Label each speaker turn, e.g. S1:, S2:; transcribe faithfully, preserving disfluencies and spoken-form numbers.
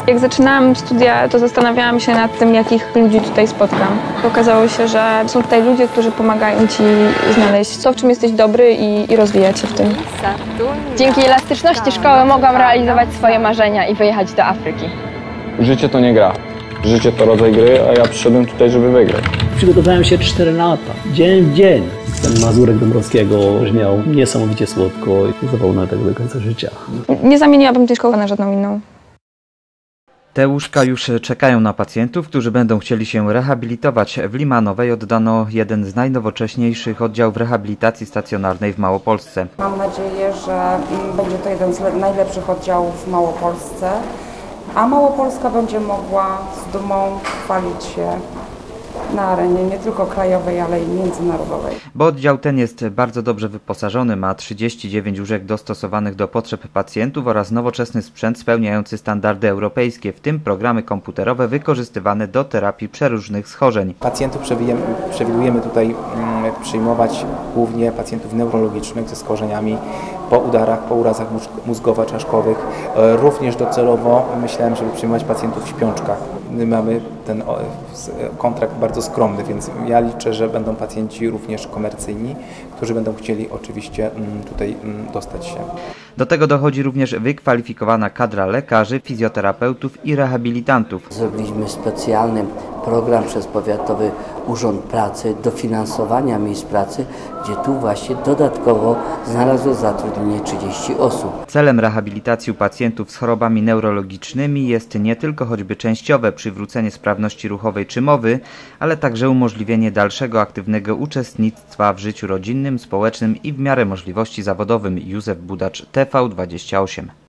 S1: Jak zaczynałam studia, to zastanawiałam się nad tym, jakich ludzi tutaj spotkam. Okazało się, że są tutaj ludzie, którzy pomagają ci znaleźć to, w czym jesteś dobry i, i rozwijać się w tym.
S2: Dzięki elastyczności szkoły mogłam realizować swoje marzenia i wyjechać do Afryki.
S3: Życie to nie gra. Życie to rodzaj gry, a ja przyszedłem tutaj, żeby wygrać.
S4: Przygotowałem się cztery lata, dzień w dzień. Ten Mazurek Dąbrowskiego brzmiał niesamowicie słodko i zapomnę tego do końca życia.
S1: Nie zamieniłabym tej szkoły na żadną inną.
S5: Te łóżka już czekają na pacjentów, którzy będą chcieli się rehabilitować. W Limanowej oddano jeden z najnowocześniejszych oddziałów rehabilitacji stacjonarnej w Małopolsce.
S6: Mam nadzieję, że będzie to jeden z najlepszych oddziałów w Małopolsce, a Małopolska będzie mogła z dumą chwalić się na arenie nie tylko krajowej, ale i międzynarodowej.
S5: Bo oddział ten jest bardzo dobrze wyposażony, ma trzydzieści dziewięć łóżek dostosowanych do potrzeb pacjentów oraz nowoczesny sprzęt spełniający standardy europejskie, w tym programy komputerowe wykorzystywane do terapii przeróżnych schorzeń.
S7: Pacjentów przewidujemy tutaj przyjmować głównie pacjentów neurologicznych ze schorzeniami po udarach, po urazach mózgowo-czaszkowych. Również docelowo myślałem, żeby przyjmować pacjentów w śpiączkach. My mamy ten kontrakt bardzo skromny, więc ja liczę, że będą pacjenci również komercyjni, którzy będą chcieli oczywiście tutaj dostać się.
S5: Do tego dochodzi również wykwalifikowana kadra lekarzy, fizjoterapeutów i rehabilitantów.
S8: Zrobiliśmy specjalny program przez Powiatowy Urząd Pracy dofinansowania miejsc pracy, gdzie tu właśnie dodatkowo znalazło zatrudnienie trzydzieści osób.
S5: Celem rehabilitacji pacjentów z chorobami neurologicznymi jest nie tylko choćby częściowe przywrócenie sprawności ruchowej czy mowy, ale także umożliwienie dalszego aktywnego uczestnictwa w życiu rodzinnym, społecznym i w miarę możliwości zawodowym. Józef Budacz, T V dwadzieścia osiem.